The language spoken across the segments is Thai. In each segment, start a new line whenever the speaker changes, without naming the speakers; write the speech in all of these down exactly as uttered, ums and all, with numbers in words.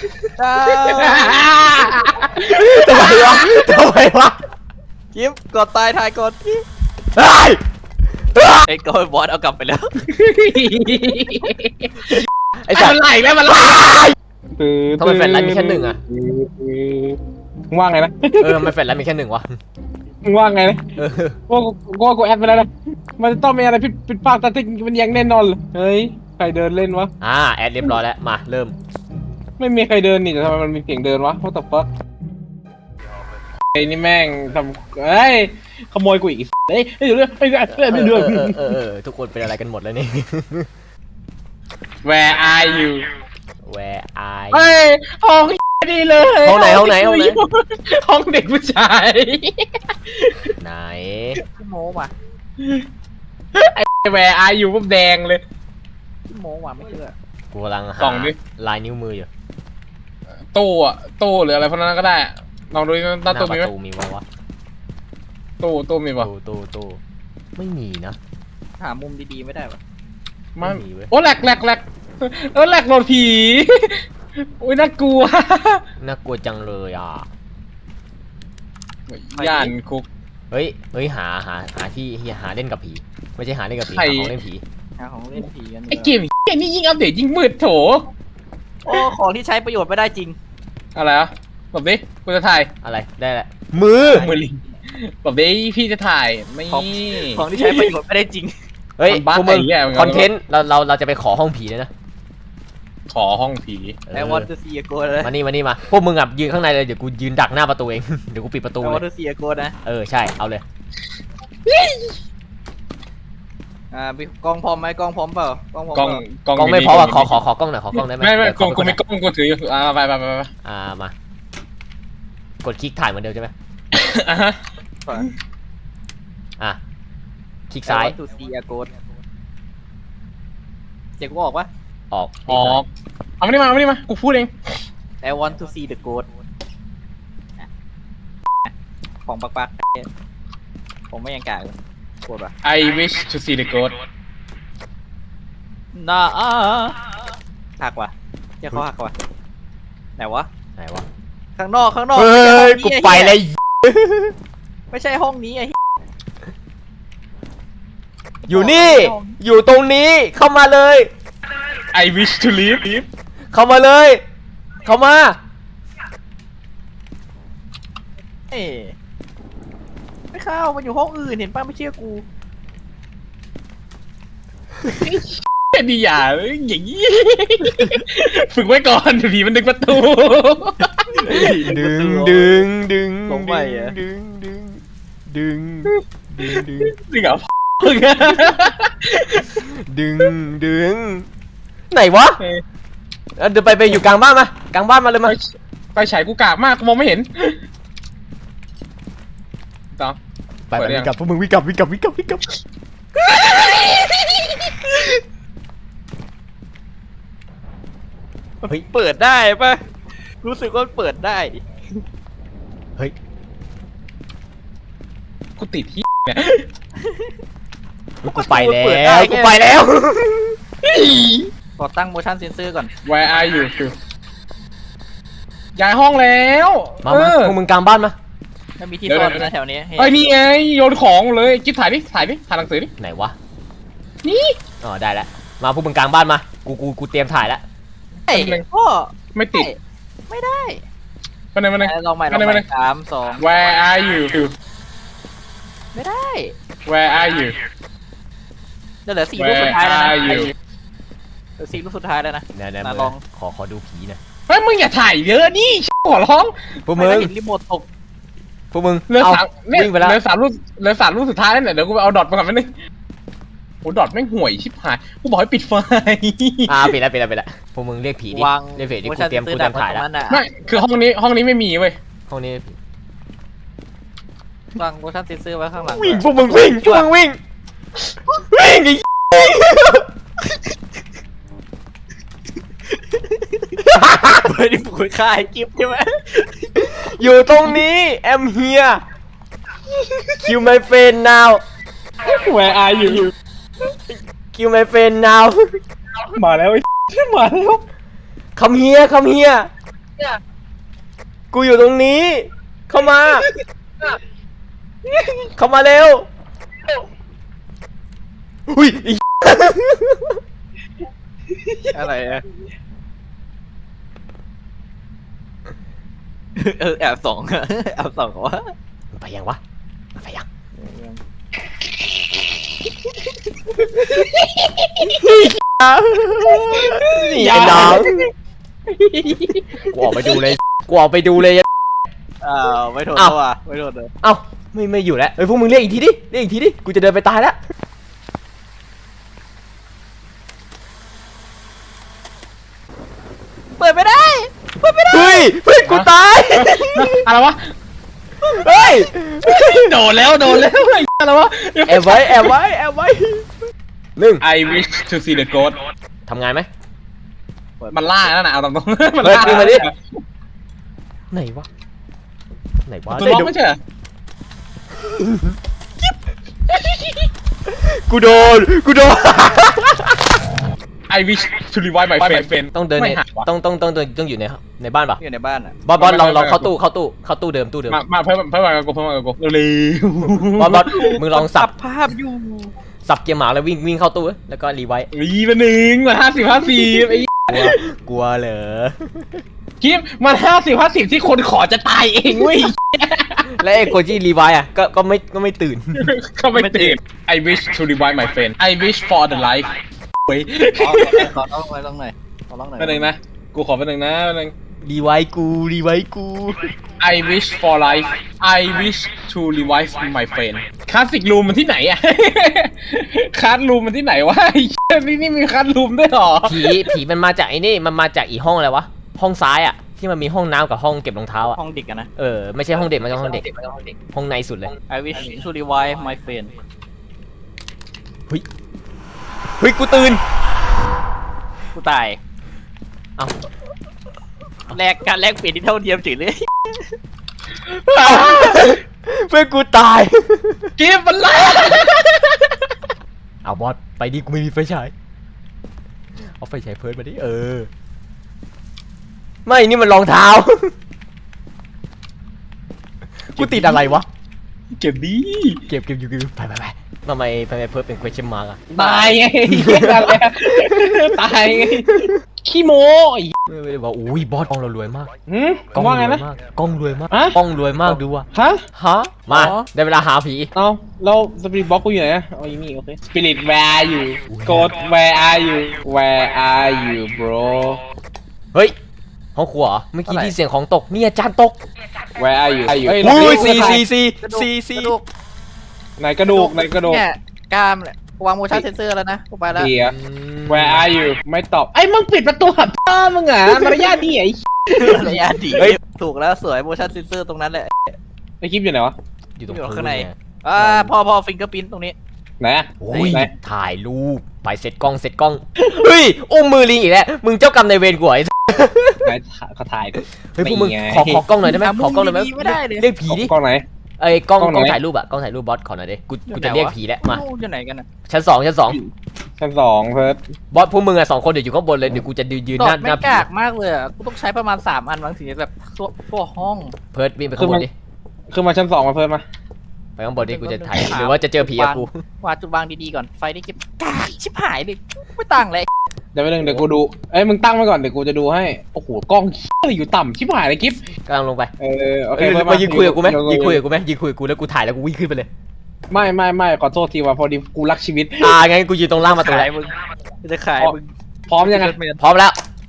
ทำไมวะทำไมวะ
กิฟกดตายทายกดกิฟ
ไอ้
ไอ้กดบอสเอากลับไปแล้ว
ไอ้สัตว์
มันไหลแม่มันไหล
ทำไมแฟนไลน์มีแค่หนึ่งอะ
มึงว่าไงนะ
เออทำไมแฟนไลน์มีแค่หนึ่งวะ
มึงว่าไงนะ
เออ
ว่ากูว่ากูแอดไปแล้วนะมันจะต้องมีอะไรผิดผิดพลาดแต่ที่มันยังแน่นอนเลยเฮ้ยใครเดินเล่นวะ
อ่าแอดเรียบร้อยแล้วมาเริ่ม
ไม่มีใครเดินนี่แต่ทำไมมันมีเสียงเดินวะ what the fuck ไอ้นี่แม่งทำเฮ้ยขโมยกูอีกเฮ้ยเดี๋ยวเรื่องเรื่องเรื่องเรื่อง
เออเออทุกคนเป็นอะไรกันหมดแล้วนี่
Where are you
Where are
เฮ้ยห้องดีเลย
ห้องไหนห้องไหนห้องไหน
ห้องเด็กผู้ชาย
ไหน
พี่โม้ว่ะ
ไอ้ Where are you ปุ๊บแดงเลย
พี่โม้ว่ะไม่เชื่อ
กูกำลังหาลายนิ้วมืออยู่
ตู้อะตู้หรืออะไรพวกนั้นก็ได้ลองดูหน้าตู้มีไหม
มีมั้ยวะ
ตู้ตู้มีป่ะ
ตู้ตู้ตู้ไม่มีนะ
หามุมดีๆไม่ได้ป่ะ
ไม่มีเว้ยโอ้แหลกแหลกแหลกเออแหลกโหลดผีอุ้ยน่ากลัว
น่ากลัวจังเลยอ่ะ
ย่านคุก
เฮ้ยเฮ้ยหาหาหาที่หาเล่นกับผีไม่ใช่หาเล่นกับผีหาของเล่นผี
หาของเล่นผีกัน
ไอเกมไอ้นี่ยิ่งอัปเดตยิ่งมืดโถ
โอ้ของที่ใช้ประโยชน์ไม่ได้จริง
อะไรอ่ะแบบนี้กูจะถ่าย
อะไรได้แหละมือ
มือลิงแบบนี้พี่จะถ่ายไม่
ของที่ใช้ประโยชน์ไม่ได้จริง
เฮ้ยพวกมึงคอนเทนต์เราเราเราจะไปขอห้องผีเลยนะ
ขอห้องผี
ไอวอนต์ซีโกเลย
มานี่มานี่มาพวกมึงอ่ะยืนข้างในเลยเดี๋ยวกูยืนดักหน้าประตูเองเดี๋ยวกูปิดประตูเลยไอ
วอนต์ซีโกนะ
เออใช่เอาเลย
อ่ากล้องพร้อมไหมกล้องพร้อมเปล่ากล้องพร้อม
กล้อง
กล้องไม่พออ่ะขอขอขอกล้องหน่อยขอกล้องได้ไหม
ไม่ไม่กล้องกูไม่กล้องกูถืออยู่อ่าไปไปไปไป
อ่ามากดคลิกถ่ายเหมือนเดิมใช่ไหม
อ่ะฮะ
อ่ะคลิกซ้าย
ทูซีโกดเจ๊กูออกปะ
ออก
ออกเอาไม่ได้มาเอาไม่ได้มากูพูดเอง
I want to see the ghost ของปักปักผมไม่ยังกล้าเลยโกรธป่ะ
I wish to see the ghost
น่าหักว่ะเจ้าเขาหักว่ะไหนวะ
ไหนวะ
ข้างนอกข้างนอก
เฮ้ยกูไปเลย
ไม่ใช่ห้องนี้ไอ้
อยู่นี่อยู่ตรงนี้เข้ามาเลย
I wish to leave
เข้ามาเลยเข้ามา
เอ๊ไม่เข้ามันอยู่ห้องอื่นเห็นป้าไม่เชื่อกู
ดีอย่าอย่างนี้ฝึกไว้ก่อนผีมันดึงประตู
ดึงดึงดึง
ลงไปอ่ะ
ดึงดึงดึงดึงดึง
ดึงอ่ะ
ดึงดึงไหนวะเดี๋ยวไปไปอยู่กลางบ้านมากลางบ้านมาเลยมา
ไปฉายกูกากมากมองไม่เห็นต่อ
ไปไปวิ่งกลับพวกมึงวิ่งกลับวิ่งกลับวิ่งกลับวิ่งกลับ
เฮ้ยเปิดได้ปะรู้สึกว่าเปิดได้
เฮ้ย
กูติดที่เนี่ย
กูไปแล้วกูไปแล้ว
ขอตั้ง motion sensor ก่อน
Where are you ย้ายห้องแล้ว
มามาพวกมึงกลางบ้านมา
ถ้ามีที่ซ่อนนะแถวนี้
เฮ้ยนี่ไงโยนของเลยกิ๊บถ่ายดิถ่ายดิถ่ายหนังสือดิ
ไหนวะ
นี่
อ๋อได้แล้วมาพวกมึงกลางบ้านมากูกูกูเตรียมถ่ายแล้ว
ไอ้พ่อ
ไม่ติด
ไม่ได้
มาไหนมาไหน
ลองใหม่ลองใหม่สามสอง
Where are you
ไม่ได้
Where are you
จะเหลือสี่รูปสุดท้ายแล้วนะเหลือสี่รูปสุดท้ายแล้วนะ
นะลองขอขอดูผีนะ
เฮ้ยมึงอย่าถ่ายเยอะนี่ขอร้อง
พวกมึง
เห็นรีโมทตก
พวกมึง
เหลือสามเนี่ยเหลือสามรูปเหลือสามรูปสุดท้ายแล้วเนี่ยเดี๋ยวกูไปเอาดอทมาก่อนนิดนึงโอ้ดอทแม่งห่วยชิบหายกูบอกให้ปิดไฟ
อ่าปิดแล้วปิดแล้วปิดแล้วพวกมึงเรียกผีดิเรียกผีดิกูเตรียมกูเตรียมถ่ายแล้ว
ไม่คือห้องนี้ห้องนี้ไม่มีเว้ย
ห้องนี้
วาง motion sensor ไว้ข้างหลัง
วิ่งพวกมึงวิ่งพวกมึงวิ่งวิ่งไอ้
เฮ้ยนี่กูฆ่าไอ้กิ๊บใช่ไหม
อยู่ตรงนี้ I'm here kill my friend now
Where are you
kill my friend now
มาแล้วไอ้มาแล้ว
come here come here กูอยู่ตรงนี้ เข้ามา เข้ามาเร็วอุ้ยอี
อะไรอะเออแอบสองอะแอบสองวะ
ไปยังวะไปยังนี่ไอ้น้องกูออกไปดูเลยกูออกไปดูเลย
อ้าวไม่โดนแล้วว่ะไม่โดนเลย
เอ้าไม่ไม่อยู่แล้วเฮ้ยพวกมึงเรียกอีกทีดิเรียกอีกทีดิกูจะเดินไปตายแล้ว
เปิดไม่ได้เปิดไม่ได้
เฮ้ยเฮ้ยกูตาย
อะไรวะ
เฮ้ย
โดนแล้วโดนแล้วไอ้อะไรวะ
แอบไว้แอบไว้แอบไว้หนึ่ง
I wish to see the ghost
ทำงานไหม
มันล่านั่นน่ะเอาตรงๆมัน
เฮ้ย
ล่า
ดึงมาดิ ไหนวะไหนวะ
ตัวล็อกไม่ใช่เหรอ
กูโดนกูโดน
I wish to revive my friend
ต้องเดินใน
ไม่หักวะ
ต้องต้องต้องต้องต้องอยู่ในในบ้านปะ
อยู่ในบ้านอ่ะ
บอสบอสลองลอง
ไม่ไม่
เข้าตู้เข้าตู้เข้าตู้เดิมตู้เดิม
มามาเพิ่มเพิ่มมากับกูเพิ่มมากับกูเร็ว
บอสบอสมึงลองสับ
ภาพอยู่
สับเกียร์หมาแล้ววิ่งวิ่งเข้าตู้แล้วก็รีไวท์
วีมาหนึ่งมาห้าสิบห้าสิบไอ้
กลัวกลัวเหรอ
คลิปมันห้าสิบห้าสิบที่คนขอจะตายเองเว้ย
และไอ้คนที่รีไวท์อ่ะก็ก็ไม่ก็ไม่ตื่น
ก็ไม่ตื่น I wish to revive my friend I wish for the life เว้ย
ขอร้องหน่อยร้องหน่อยขอร้องหน่อย
แป๊บนึงนะกูขอแป๊บนึงนะแป๊บนึง
รีไวท์กูรีไวท์กู
I wish for life I wish to revive my friend คลาสสิกรูมมันที่ไหนอะ คลาสรูมมันที่ไหนวะไอ้เหี้ยนี่นี่มีคลาสรูมด้วยเหรอ
ผีผีมันมาจากไอ้นี่มันมาจากอีห้องอะไรวะห้องซ้ายอ่ะที่มันมีห้องน้ำกับห้องเก็บรองเท้าอ่ะ
ห้องเด็กอะนะ
เออไม่ใช่ห้องเด็กมันเป็นห้องเด็กห้องในสุดเลย
I wish to revive my friend
เฮ้ยเฮ้ยกูตื่น
กูตาย
เอ้า
แลกการแลกเปลี่ยนที่เท่าเทียมจริงเลย
เพื่อนกูตาย
กิฟต์มันไล่
เอาบอสไปดิกูไม่มีไฟฉายเอาไฟฉายเพิร์ดมาดิเออไม่นี่มันรองเท้า กูติดอะไรวะ
เก็บดี
เก็บเก็บอยู่เก็บอยู่ไปไปไปทำไมทำไมเพิร์ดเป็น question mark อะ
ตายไงอะไรตายไงขี้โม้ไอ้
ไม่ไม่ได้บอกอุ้ยบอสกล้องเรารวยมาก
หืม
กล้อง
ว่าไง
รวย
นะ
มากกล้องรวยมาก
ฮะ
กล้องรวยมากดูว่ะ
ฮะ
ฮะมาได้เวลาหาผี
เอาเราสปิริตบ็อกกูอยู่ไหนอะอ๋ออยู่นี่โอเคสปิริต where are you Ghost where are you where are you bro
เฮ้ยห้องครัวเหรอเมื่อกี้ที่เสียงของตกนี่อาจารย์ตก
where are you เฮ้ย
อุ้ย
เรา
ซีซีซี
กระดูก
ซีซี
กระดูก
ไหนกระดูกไหนกระดูก
เนี่ยกล้ามเนี่ยวางโมชั่นเซนเซอร์แล้วนะกูไปแล้ว
เดีย where are you ไม่ตอบไอ้มึงปิดประตูหับพ่อมึงอ่ะมารยาทดีไอ้
ระยะดีถูกแล้วสวยโมชั่นเซนเซอร์ตรงนั้นแหละ
ไอ้คลิปอยู่ไหนวะ
อยู่ตรง
อยู่
พื้
ข้างใน
เย
อ่าพอพอฟิงเกอร์พิ้นตรงนี้
ไหนอะ
โอ้ย
ไหน
ถ่ายรูปไปเสร็จกล้องเสร็จกล้องเฮ้ยอุ้มมือลิงอีกแล้วมึงเจ้ากรรมนายเวรกูเหรอไอ้
ไหนเขาถ่ายดิ
เฮ้ยพวกมึง
นี่ไง
ขอขอกล้องหน่อยได้ไหมขอกล้องหน่อยไหม
ไม่ได้เลย
เรียกผีดิ
กล้องไหน
ไอ้ยกล้อง
กล้องไหน
กล้องถ่ายรูปอะกล้องถ่ายรูปบอสขอหน่อยดิกูกูจะเรียกผีแล้วมา
อยู่ไหนกันนะ
ชั้นสองชั้นสอง
ชั้นสองเพิร์ด
บอสพวกมึงอะสองคนเดี๋ยวอยู่ข้างบนเลยเดี๋ยวกูจะยืน
ด
ห
อ
น้า
ด
ห
ไม่
น้าผี
กากมากเลยอ่ะกูต้องใช้ประมาณสามอันบางทีแบบทั่วทั่วห้อง
เพิร์ดวิ่งไปข้างบนดิ
คือมาชั้นสองมาเพิร์ดมา
ไปข้างบนดิกูจะถ่ายหรือว่าจะเจอผีกับกู
วางจุดวางดีๆก่อนไฟได้เก็บกากชิบหายเลยไม่ต่างเลย
เดี๋ยวไปหนึ่งเดี๋ยวกูดูเอ้ยมึงตั้งไว้ก่อนเดี๋ยวกูจะดูให้โอ้โหกล้องอะไรอยู่ต่ำชิบหายเลยกิฟ
กำลังลงไป
เออโอเค
เอ้ย
เพิ่ม
มายืนคุยกับกูไหม
เดี๋ว
ยืนคุยกับกูไหมยืนคุยกับกูแล้วกูถ่ายแล้วกูวิ่งขึ้นไปเลย
ไม่ไม่ไม่ขอโทษทีว่าพอดีกูรักชีวิต
อ่างั้นกูยืนตรงล่างมาตรง
ขา
ไหน
ยมึงจะขายมึง
พร้อมยังไง
พร้อมแล้ว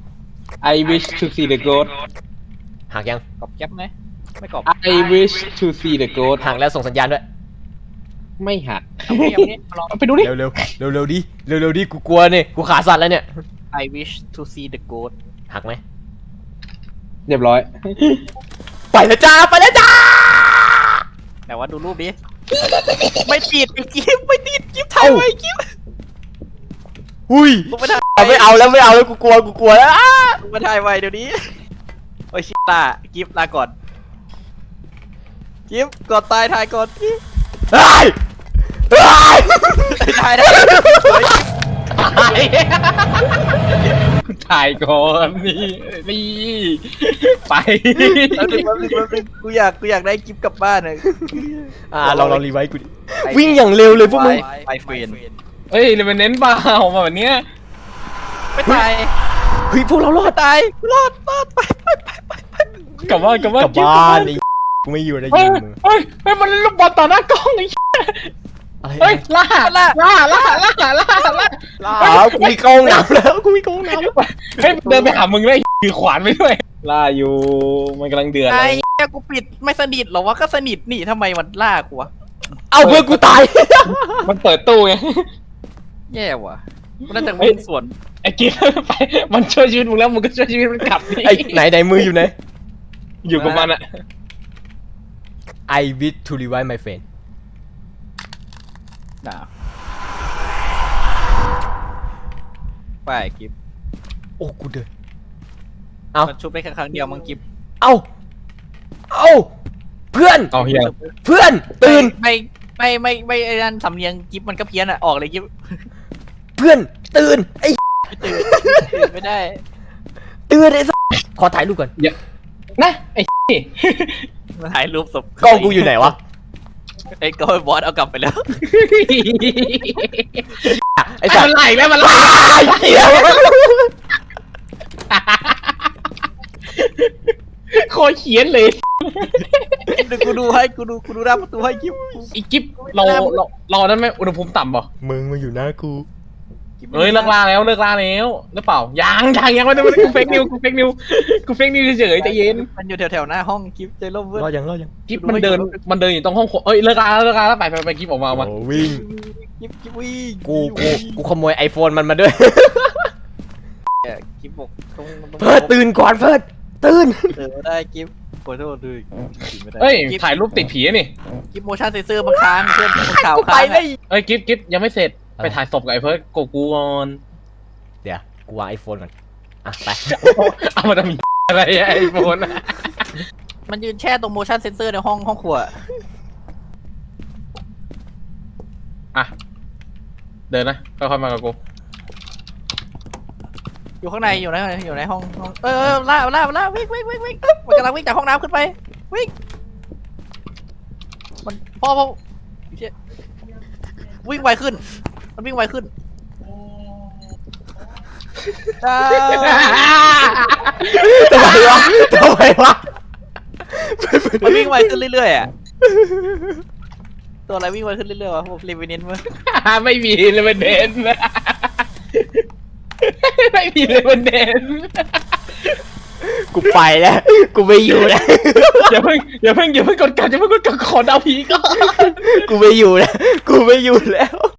I wish to see the ghost
หักยัง
กรอบแก๊บไหมไม่กรอบ
I wish to see the ghost
หักแล้วส่งสัญญาณด้วย
ไม่หัก
เอาเงียบนี้มาลอง
ไปดูดิ
เร็วเร็วเร็วเร็วดิเร็วเร็วดิกูกลัวเนี่ยกูขาสั่นแล้วเนี่ย
I wish to see the ghost
หักไหม
เรียบร้อย
ไปแล้วจ้าไปแล้วจ้า
แต่ว่าดูรูปดิไม่ติดไอ้กิ๊บไม่ติดกิ๊บถ่ายไว้กิ๊บ
หุย
กูไม่ถ่าย
ไม่เอาแล้วไม่เอาแล้วกูกลัวกูกลัวแล้ว
กูไม่ถ่ายไว้เดี๋ยวนี้โอ้ยชิตากิ๊บลาก่อนกิ๊บก่อนตายถ่ายก่อนกิ๊บ
เฮ้ยเฮ้ย
ถ่ายได้สวย
กูถ่ายก่อนนี่นี่ไป
แป๊บนึงแป๊บนึงแป๊บนึงกูอยากกูอยากได้กิฟต์กลับบ้านเลย
อ่าลองลองรีไวซ์กูดิวิ่งอย่างเร็วเลยพวกมึง
ไอเฟน
เฮ้ยเลยมันเน้นเปล่ามาแบบเนี้ย
ไม่ตาย
เฮ้ยพวกเรารอด
ตายรอดรอดไปไปไปไปไป
กลับบ้านกลับบ้าน
กลับบ้านไอ้กูไม่อยู่ใน
เฮ้
ยิ
ย
งมึง
เฮ้ยเฮ้ยมันเล่นลูกบอลต่อหน้ากล้องไอ้
อะไร
เฮ้ยล่า
ล่า
ล่าล่าล่าล่าล่าล่า
อ้าวกูมีกล้องน้ำแล้วกูมีกล้องน้ำ
เฮ้ยเดินไปหามึงได้ถือขวานไปด้วยล่าอยู่มันกำลังเดือด
ไอ้
เลย
เหี้ยกูปิดไม่สนิทหรอวะก็สนิทนี่ทำไมมันล่ากูวะ
เอาเพื่อนกูตาย
มันเปิดตู้ไง
แย่ว่ะกูน่าจะวิ่งสวน
ไอ้กิ๊ฟไปมันช่วยชีวิตมึงแล้วมึงก็ช่วยชีวิตมันกลับดิ
ไอ้ไหนไหนมืออยู่ไหน
อยู่กับมันอะ
I wish to revive my friend
น่าไปกิฟต์
โอ้กูเดิน เอ้า
มันชุบได้แค่ครั้งเดียวมั้งกิฟต์
เอ้าเอ้าเพื่อน
เอาเฮีย
เพื่อนตื่น
ไม่ไม่ไม่ไม่ไอ้นั่นสำเนียงกิฟต์มันก็เพี้ยนอ่ะออกเลยกิฟต์
เพื่อนตื่นไอ้
ไม่ตื่นตื่นไม่ได้
ตื่นไอ้สัสขอถ่ายรูปก่อน
นะไอ้
มันถ่ายรูปศพ
กล้องกูอยู่ไหนวะ
ไอ้ก็บอสเอากลับไปแล้ว
ไอ้
ไอ้
สัส
มันไหลแล้วมันไหล
ไอ้เหี้ย
โคตรเขียนเลย
เดี๋ยวกูดูให้กูดูกูดูหน้าประตูให้กิฟต์
ไอ้กิ๊ฟเราเราเรานั้นไหมอุณหภูมิต่ำป่ะ
มึงมาอยู่หน้ากู
เฮ้ยเลิกลาแล้วเลิกลาแล้วหรือเปล่ายังยังยังไม่ได้กูเฟกนิวกูเฟกนิวกูเฟกนิวเฉยๆใจเย็น
มันอยู่แถวๆหน้าห้องกิฟต์ใจร่มเว้ย
รอดยังรอดยัง
กิ๊ฟมันเดินมันเดินอยู่ตรงห้องครัวเอ้ยเลิกลาแล้วเลิกลาแล้วไปไปไปกิ๊ฟออกมาออกมา
โอ้วิ่ง
กิฟต์กิฟต์วิ่ง
กูกูกูขโมยไอโฟนมันมาด้วย
กิฟต์บอกต้องต้อง
เพิร์ดตื่นก่อนเพิร์ดตื่น
เออได้กิฟต์ขอโทษด้วยไม่ได้
เฮ้ย
กิฟต์
ถ่ายรูปติดผีนี่
กิฟต์โมชั่นเซนเซอร์มันค้างเพื่อนมันข่าว
กูไป
ค้าง
เล
อะ
ย
เอ้ยกิ๊ฟกิ๊ฟยังไม่เสร็จ
อะไร
ไปถ่ายศพกับไอ้เพิร์ดโกกูก่อน
เดี๋ยวกูวางไอโฟนก่อนอ่ะไป
เอามาทำอะไรไอ้โฟน
มันยืนแช่ตรงโมชั่นเซนเซอร์ในห้องห้องครัว
อ่ะเดินนะค่อยๆมากับกู
อยู่ข้างในอยู่ในอยู่ในห้องห้องเออเออล่าล่าล่าวิ่งวิ่งวิ่งวิ่งมันกำลังวิ่งจากห้องน้ำขึ้นไปวิ่งมันพ่อพ่อเชี่ยวิ่งไวขึ้น มันวิ่งไวขึ้นอ่า
ทำไมวะทำไมวะ
มันวิ่งไวขึ้นเรื่อยๆอ่ะตัวอะไรวิ่งไวขึ้นเรื่อยๆวะผมรีวิวเน้นมั้ย
ไม่มีเลยมันเด่นไม่มีเลยมันเด่น
กูไปแล้ว กูไม่อยู่แล้ว
อย่าเพิ่งอย่าเพิ่งอย่าเพิ่งกดกันอย่าเพิ่งกดกันขอดาวผีก่อน
กูไม่อยู่แล้ว กูไม่อยู่แล้ว